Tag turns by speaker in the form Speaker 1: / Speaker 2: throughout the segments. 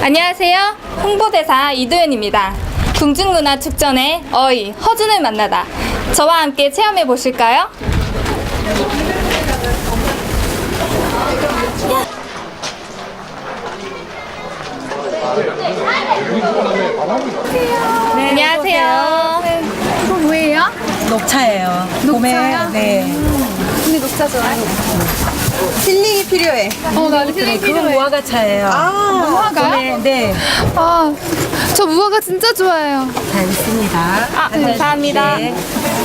Speaker 1: 안녕하세요. 홍보대사 이도현입니다. 궁중문화축전의 어이, 허준을 만나다. 저와 함께 체험해 보실까요? 네, 안녕하세요.
Speaker 2: 이거 뭐예요?
Speaker 3: 녹차예요.
Speaker 2: 녹차요?
Speaker 3: 봄에, 네.
Speaker 2: 언니 녹차 좋아해?
Speaker 3: 힐링이 필요해.
Speaker 2: 나도 힐링
Speaker 3: 그건
Speaker 2: 필요해.
Speaker 3: 무화과차예요.
Speaker 2: 무화과요?
Speaker 3: 봄에, 네.
Speaker 2: 저 무화과 진짜 좋아해요.
Speaker 3: 잘 있습니다.
Speaker 1: 감사합니다.
Speaker 3: 네.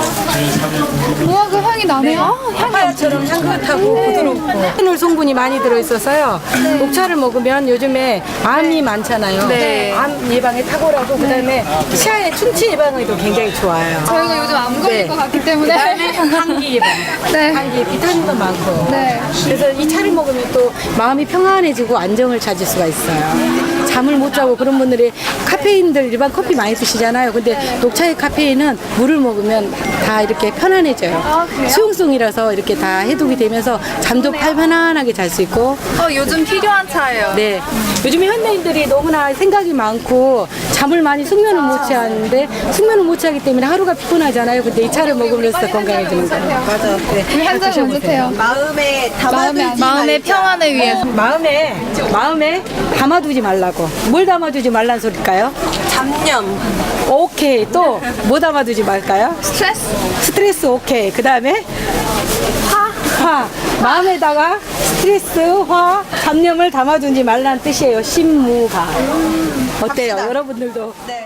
Speaker 2: 무화과 향이 나네요.
Speaker 3: 파야처럼 향긋하고 부드럽고 페놀 성분이 많이 들어있어서요. 녹차를 먹으면 요즘에 암이 많잖아요.
Speaker 1: 네.
Speaker 3: 암 예방에 탁월하고 그다음에 치아의 충치 예방에도 굉장히 좋아요.
Speaker 2: 저희가 요즘 안 걸릴
Speaker 3: 네.
Speaker 2: 것 같기 때문에.
Speaker 3: 감기 예방.
Speaker 2: 네.
Speaker 3: 감기에 비타민도 많고.
Speaker 2: 네.
Speaker 3: 그래서 이 차를 먹으면 또 마음이 평안해지고 안정을 찾을 수가 있어요. 잠을 못 자고 그런 분들이 카페인들 일반 커피 많이 드시잖아요. 근데 녹차의 카페인은 물을 먹으면 다 이렇게 편안해져요.
Speaker 2: 그래요?
Speaker 3: 수용성이라서 이렇게 다 해독이 되면서 잠도 편안하게 잘 수 있고.
Speaker 1: 요즘 필요한 차예요.
Speaker 3: 네. 요즘에 현대인들이 너무나 생각이 많고 잠을 많이 숙면을 못 취하는데 숙면을 못 취하기 때문에 하루가 피곤하잖아요. 근데 이 차를 먹으면서 건강해지는 거예요. 맞아. 네.
Speaker 2: 우리 한 잔 먼저 태요.
Speaker 1: 마음의 평안을 위해서.
Speaker 3: 마음에 담아두지 말라고. 뭘 담아두지 말란 소릴까요?
Speaker 4: 잡념.
Speaker 3: 오케이. 또 뭐 담아두지 말까요? 스트레스 오케이. 그 다음에 화. 마음에다가 스트레스, 화, 잡념을 담아두지 말라는 뜻이에요. 신무가. 어때요? 여러분들도.
Speaker 4: 네.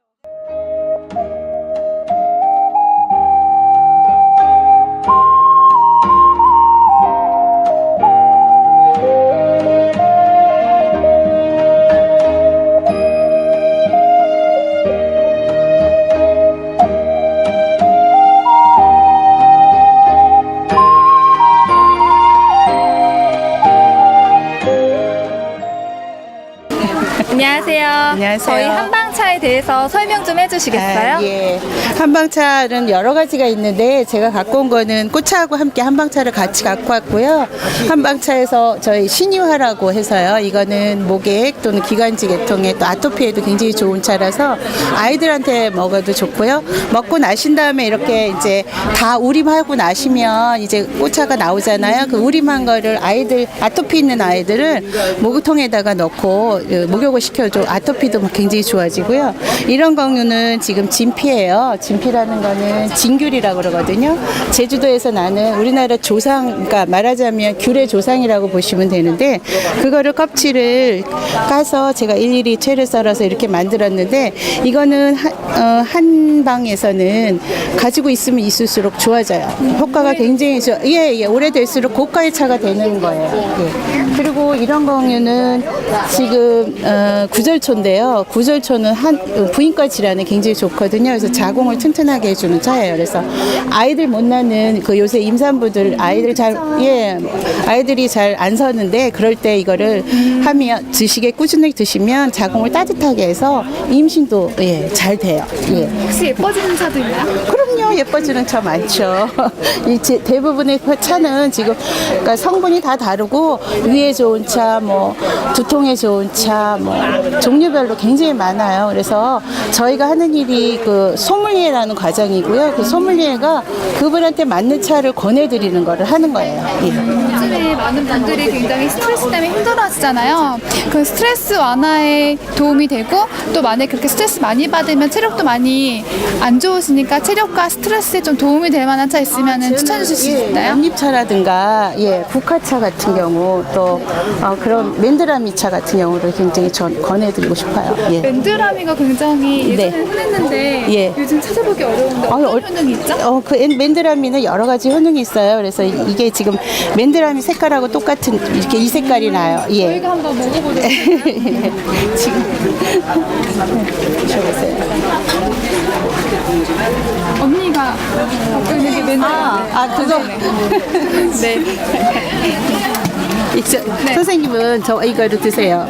Speaker 1: 안녕하세요.
Speaker 5: 안녕하세요.
Speaker 1: 저희 한방차에 대해서 설명 좀 해주시겠어요?
Speaker 5: 예. 한방차는 여러 가지가 있는데 제가 갖고 온 거는 꽃차하고 함께 한방차를 같이 갖고 왔고요. 한방차에서 저희 신유화라고 해서요. 이거는 목액 또는 기관지 계통에 또 아토피에도 굉장히 좋은 차라서 아이들한테 먹어도 좋고요. 먹고 나신 다음에 이렇게 이제 다 우림하고 나시면 이제 꽃차가 나오잖아요. 그 우림한 거를 아이들 아토피 있는 아이들은 목욕통에다가 넣고 목욕을 시켜줘. 아토피도 막 굉장히 좋아지고요. 이런 경우는 지금 진피예요. 진피라는 거는 진귤이라고 그러거든요. 제주도에서 나는 우리나라 조상, 그러니까 말하자면 귤의 조상이라고 보시면 되는데 그거를 껍질을 까서 제가 일일이 채를 썰어서 이렇게 만들었는데 이거는 한방에서는 가지고 있으면 있을수록 좋아져요. 효과가 굉장히 오래될수록 고가의 차가 되는 거예요. 예. 그리고 이런 경우는 지금 구절초인데요. 구절초는 부인과 질환에 굉장히 좋거든요. 그래서 자궁을 튼튼하게 해주는 차예요. 그래서 아이들 못 낳는 그 요새 임산부들 아이들이 잘 안 서는데 그럴 때 이거를 하면 꾸준히 드시면 자궁을 따뜻하게 해서 임신도 잘 돼요. 예.
Speaker 2: 혹시 예뻐지는 차도 있나요?
Speaker 5: 그럼요. 예뻐지는 차 많죠. 대부분의 차는 지금 그러니까 성분이 다 다르고 위에 좋은 차, 뭐 두통에 좋은 차, 뭐 종류별로 굉장히 많아요. 그래서 저희가 하는 일이 그 소믈리에라는 과정이고요. 그 소믈리에가 그분한테 맞는 차를 권해드리는 거를 하는 거예요. 예.
Speaker 2: 요즘에 많은 분들이 굉장히 스트레스 때문에 힘들어하시잖아요. 그 스트레스 완화에 도움이 되고 또 만약에 그렇게 스트레스 많이 받으면 체력도 많이 안 좋으시니까 체력과 스트레스에 좀 도움이 될 만한 차 있으면 추천해 주실 수 있나요?
Speaker 5: 연잎차라든가 국화차 같은 경우 또 그런 맨드라미차 같은 경우를 굉장히 권해드리고 싶어요. 예.
Speaker 2: 맨드라미가 굉장히 예전에
Speaker 5: 네.
Speaker 2: 흔했는데
Speaker 5: 예.
Speaker 2: 요즘 찾아보기 어려운데 어떤 효능이 있죠?
Speaker 5: 그 맨드라미는 여러 가지 효능이 있어요. 그래서 이게 지금 맨드라미 색깔하고 똑같은 이렇게 이 색깔이 나요. 예.
Speaker 2: 저희가 한번 먹어보도록 할까요?
Speaker 5: 지금 드셔보세요.
Speaker 2: 언니가 갖고 있는 게 맨드라미.
Speaker 5: 그거.
Speaker 2: 네.
Speaker 5: 선생님은 이거를 드세요.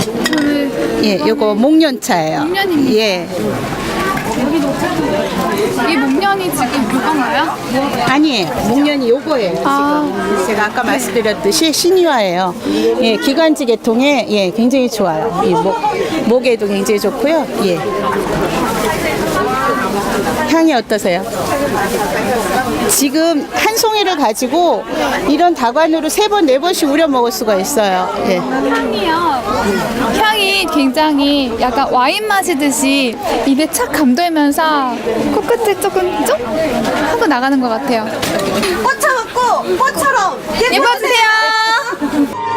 Speaker 2: 저는
Speaker 5: 요거 목련차예요.
Speaker 2: 목련입니다.
Speaker 5: 예.
Speaker 2: 여기 녹차도 이 목련이 지금 그건가요?
Speaker 5: 아니에요. 목련이 요거예요.
Speaker 2: 아.
Speaker 5: 지금 제가 아까 말씀드렸듯이 신유화예요. 예, 기관지 계통에 예, 굉장히 좋아요. 이 목에도 굉장히 좋고요. 예. 향이 어떠세요? 지금 한 송이를 가지고 이런 다관으로 3번, 4번씩 우려 먹을 수가 있어요. 예.
Speaker 2: 향이요. 향이 굉장히 약간 와인 마시듯이 입에 착 감돌면서 코끝을 조금 쭉 하고 나가는 것 같아요.
Speaker 4: 꽃 참았고 꽃처럼
Speaker 2: 예뻐주세요.